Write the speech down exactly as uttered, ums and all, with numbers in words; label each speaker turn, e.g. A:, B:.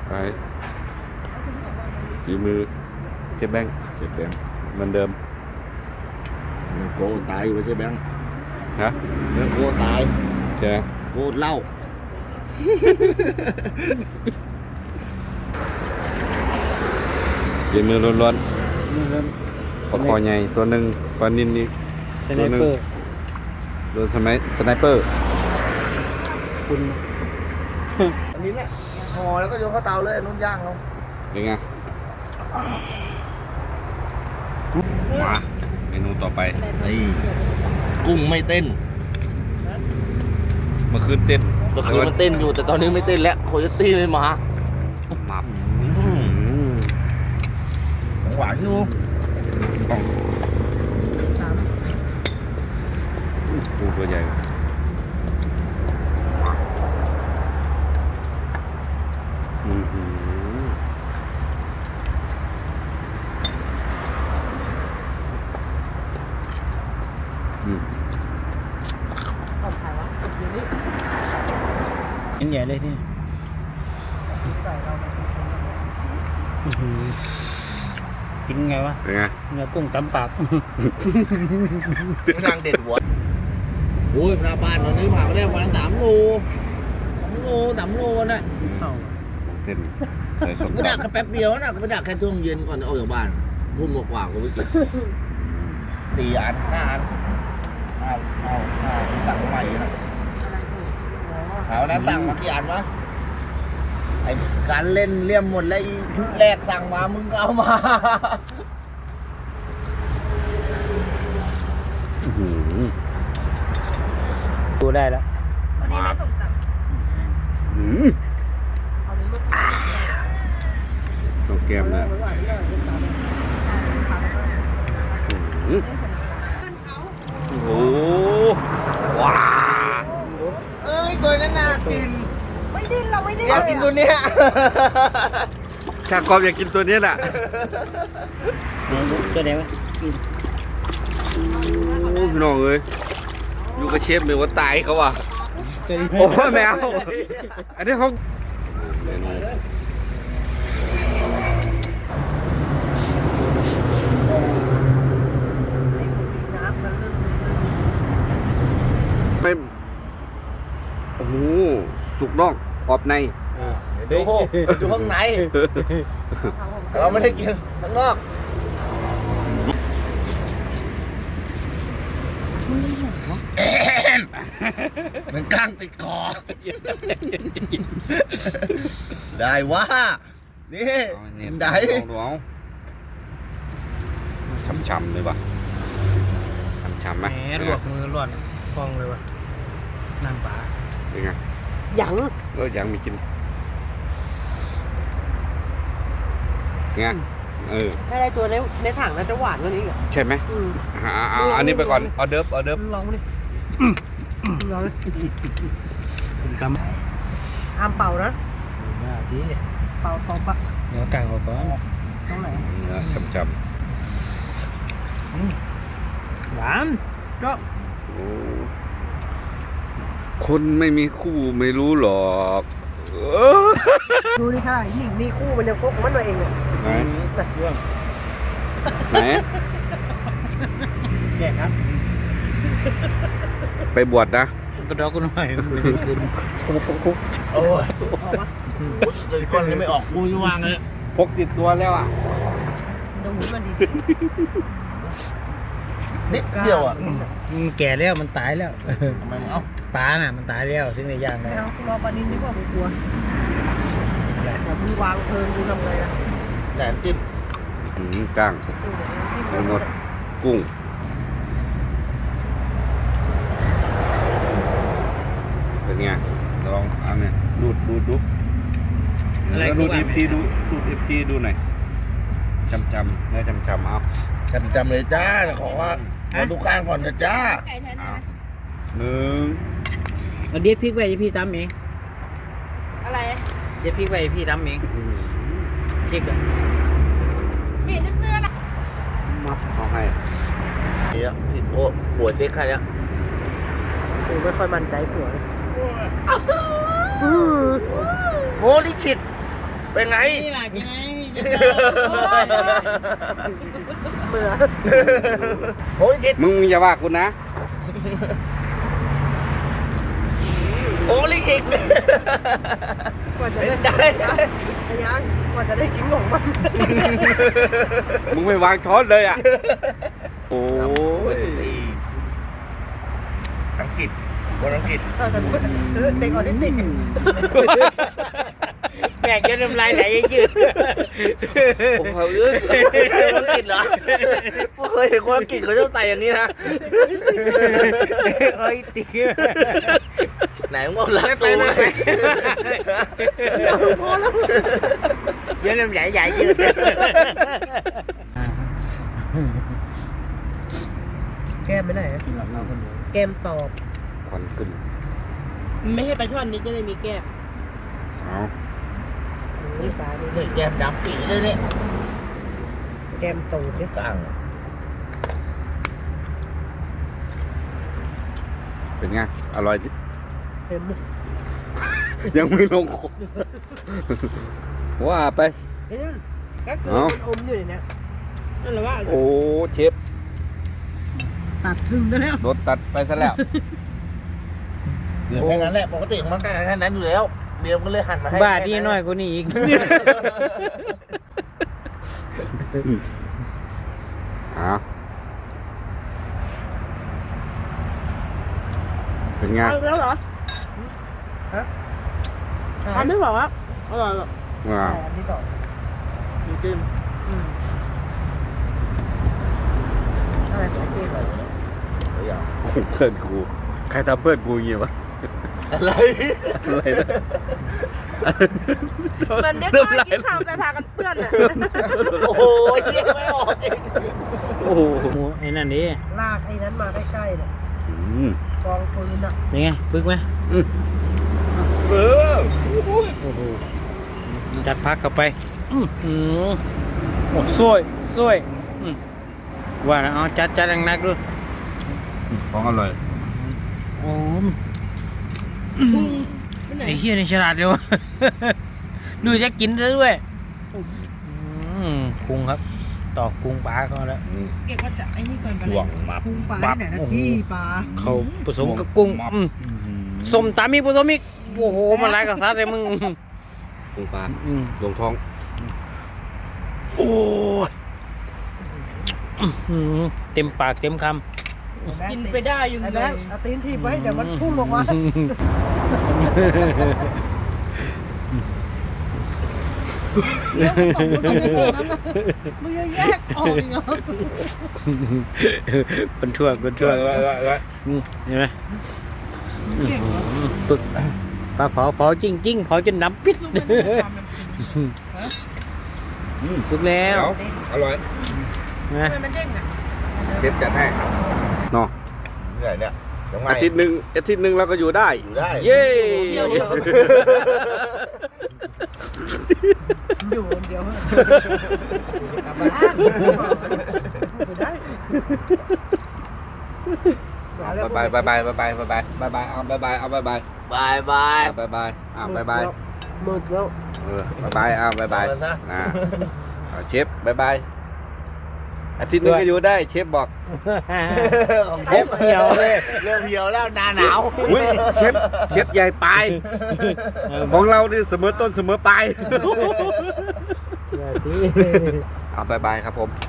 A: ไปฝีมือเชฟแบงค์
B: เจ็บแบงค์
A: เหมือนเดิม
B: เนื้อโกตายอยู่ใช่แบงค์
A: ฮะ
B: เนื้อโกตาย
A: ใช่ไหม
B: โกเหล้า
A: ฝีมือล้วนๆปลาคอใหญ่ตัวหนึ่งปลานินนี่
C: สไนเปอร์
A: โดนสไนสไนเปอร์
C: คุณ
B: อันนี้แหละห่อแล้วก็โยนเข้าเตาเลยนุ่นย่างลง
A: เป็นไงมาเมนูต่อไป
B: นี่กุ้งไม่เต้น
A: เมื่อคืนเต้น
B: เมื่อคืนมันเต้นอยู่แต่ตอนนี้ไม่เต้นแล้วโคโยตี้ไม่มา
A: มับ
B: ของหวานอยู่
A: ปูตัวใหญ่อือหืออืม
C: ชิ้นใหญ่เลยที่อื้อหือกินไงวะ
A: เป็นไง
C: เนื้อกุ้งตำปาก
B: นางเด็ดหัวโอ้ยหน้าบ้านตอนนี้ผ่านไปได้วันละสามโลสามโลสามโลน่ะ
A: เต้นใส่สม
B: ก็ดักแค่แป๊บเดียวนะก็ไปดักแค่ช่วงเย็นก่อนจะออกจากบ้านทุ่มกว่าๆก็ไปกินสี่อันห้าอันห้าห้าห้าสั่งใหม่นะเอานะสั่งมากี่อันวะไอ้การเล่นเลี่ยมหมดแล้วอีชุดแรกสั่งมามึงก็เอามา
A: อื้อหือ
C: ดูได้แล้ว
D: วันนี้ไม่ส่งตับ
A: หืม
D: เอานี้ลูก
A: ตัวแก้มนะอื้อ
D: กันเขา
A: โอ้โหว้า
B: เอ้ยตัวนั้นน่ากิน
D: ไม่ดิ้นเราไม่ดิ้น
B: อยากกินตัวเนี้ย
A: ชากรอบอยากกินตัวนี้แหละ
C: ตัวไหนวะ
A: โอ้พี่น้องเอ้ยอยู่กับเชฟเลยว่าตายเขาว่ะ
C: ตัวนี้
A: โอ้ยแมวอันนี้เขาไม่โอ้โหสุกนอกกรอบใน
B: ดูดูข้างในเราไม่ได้กินข้างนอกมันก้างติดคอ ได้ว่านี่ได้
A: เอาช้ำๆเลยป่ะช้ำๆไหม
C: แหมลวกมือร้อนฟองเลยวะน้ำปลา
A: เป็นไง
D: หยัง
A: ก็ยังมีกินไงเออ
D: ถ้าได้ตัวในในถังน่าจะหวานกว่านี้อีก
A: ใช่ไหม
D: อืม
A: อ่าเอาอันนี้ไปก่อนออเดิร์ฟออเดิร์ฟ
D: ลองมาดิลองดิ
C: คุณตำ
D: ห้ามเป่านะ
C: มาดี
D: เป่าเป่าปะ
C: เดี๋ยวกางออกก่อน
D: ตรงไหน
A: เนื้อช้ำ
C: หวานก็
A: ๆโอ้คนไม่มีคู่ไม่รู้หรอกเออ
D: ดูนี่ค่ะยิ่งมีคู่มันยังพกมันตัวเองเลย
A: ไหน
C: เรื่อง
A: ไหน
C: แก่ครับ
A: ไปบวชนะ
C: กระดอกกันหน่อยคืน
B: โอ้ย
D: ออกปะ
B: เดินก้อนนี้ไม่ออกกูจะวางเลย
A: พกติดตัวแล้วอ่ะ
D: ดูหูมันดี
B: นิดเดียวอ่ะ
C: มันแก่แล้วมันตายแล้ว
B: ทำไมมึงเอา
C: ปลาน่ะมันตายแล้วถึงในย่างได้
D: ไม่เอากูรอปลานินดีกว่ากูกลัวแบบมึงวางเพลิงกูทำไงล่ะ
B: แหนมจิ้ม
A: อืมก้างกุ้งนดกุ้งเป็นไงลองเอาเนี่ยดูดดูดดูแล้วดูดเอฟซีดูดูดเอฟซีดูหน่อยจำจำเนื้อจำจำเอา
B: กันจำเลยจ้าขอว่าขอดูกลางก่อนนะจ้า
D: ไก่แทนได้ไหม
A: หนึ่ง
C: เอาเด็ดพริกไว้ให้พี่ตำเอง
D: อะไร
C: เด็ดพริกไว้ให้พี่ตำเองพริกอะ
D: มีดเนื้อๆนะ
A: มัดเขาให้
B: เนี่ยพี่โอ้หัวเจ๊กใครเนี่ย
D: กูไม่ค่อยมั่นใจผัวเลย
B: โหนี่ฉิดเป็นไง
D: นี่แหละกินไง
B: เบื่อโอ้ยจิต
A: มึงอย่าว่ากูนะ
B: โอ้ลิขิต
D: กว่าจะ
B: เป็น
D: ได้
B: ได้
D: ไอ้ยังกว่าจะได้กินของมัน
A: มึงไม่วางช้อนเลยอ่ะ โอ้ย
B: อังกฤษคนอังกฤษ
D: เด็กออทิสติก
C: แม่งจะน้ำลายไหลยืด
B: ผมเคยเอ้ยคนอังกฤษเหรอผมเคยเห็นคนอังกฤษเขาชอบใส่อย่างนี้นะ
C: โอ้ยติ๊ก
B: ไหนมึงบอกรักตูไหม
C: เยอะน้ำไหลใหญ่ยืด
D: แก้มไปไหนแก้มตอบ
A: ควันขึ้น
D: ไม่ให้ปลาช่อนนี้จะได้มีแก้ม
A: เอา
D: นี่ปลานี่
B: นี่แก้มดำปีเลยเนี่ย
D: แก้มตูดเนี่ย
B: กลาง
A: เป็นไง อร่อยจิ
D: เห็นไหม
A: ยังไม่ลงคอว่าไป
D: เห็นไหมก็คือ
A: เอ้า
D: มันอมอยู่ในนี้นั่นแหละว่า
A: โอ้เชฟ
D: ตัดพึ่งได้แล้ว
A: โดนตัดไปซะแล้ว
B: เหลือแค่นั้นแหละปกติของมันก็แค่นั้นอยู่แล้วเบียร์ก็เลยหั่นมาให้
C: บ้าที่น้อยกว่านี้อีก
A: อ้าวเป็นไง
D: เอาแล้วเหรอฮะทำไม่บอกว่าอร่อยหรอก
A: ว้าว
D: อันนี้ต่อจริงๆอืมอะไรของจริงเหรอ
B: เดี๋ยว
A: เพื่อนกู ใครทำเพื่อนกูอย่างเงี้ยวะ
B: อะไร
A: อะไรนะ
D: มันเด็กน้อยกินข้าวแต่พากันเพื่อนอ่ะ
B: โอ้โหเยี่ยไม่ออกจริง
A: โอ้โห
C: ไอ้นั่นดิ
D: ลากไอ้นั้นมาใกล้ๆเนี่ย
A: อืม
D: กองฟืนอ่ะ
C: เป็นไงปึกไหม
A: อืมเออ
C: โอ้โหจัดพักเข้าไปอืมอืมโอ้สวยสวยอืมว่าแล้วเอาจัดจัดหนักๆดู
A: ของอร่อย
C: โอ้มไอ้เฮียนี่ฉลาดเลยวะ ดูจะกินซะด้วยอืมกุ้งครับ ตอกกุ้งปลาก็แล้ว
D: เก็บว่าจะไอ้นี่ก่อนไป
A: ห่วงมับ
D: พุงปลาที่ไหนนะที่ปลา
C: เขาผสมกับกุ้งอืมส้มตำมีผสมอีกโอ้โหมันหลายกับซัดเลยมึง
A: กุ้งปลา
C: อืม
A: ลงท้อง โอ้ย
C: อืมเต็มปากเต็มคำ
D: กินไปได้ยังไงไอ้แบงค์เอาตีนทีบไว้เดี๋ยวมันพุ่งออกมาเรื่องของมันไม่ได้นั้นนะมึงยังแยกออกอีกเหรอ
C: คนทั่วคนทั่วอืมเห็นไหม
D: เก่งเหรอ
C: อืมปึกปลาเผาเผาจริงจริงๆเผาจนน้ำปิด
A: อืม
C: สุกแล้ว
A: เดี๋ยวอร่อย
C: นะ
D: ทำไมมันเด้งอ่ะ
A: เชฟจัดให้เนาะ
B: เนี่ยเนี่ยยังไง
A: อาทิตย์หนึ่งอาทิตย์หนึ่งเราก็อยู่ได้
B: อยู่ได้
A: เย้
D: อยู่คนเดียวกลับบ้านไม่ได้
A: บายบายบายบายบายบายบายบายบายเอาบายบายเอาบายบาย
B: บายบาย
A: บายบายอ่าบายบาย
D: มืดแล้ว
A: เออบายบายเอาบายบาย
B: เอาเลยนะ
A: นะเอาเชฟบายบายอาทิตย์หนึงก็อยู่ได้เชฟบอก
B: ของ
C: เฮ็บเหี่ยวเลย
B: เริ่มเหี่ยวแล้วหนาหนาว
A: อุ้ยเชฟเชฟใหญ่ปลายของเรานี่เสมอต้นเสมอปลายเอาบายบายครับผม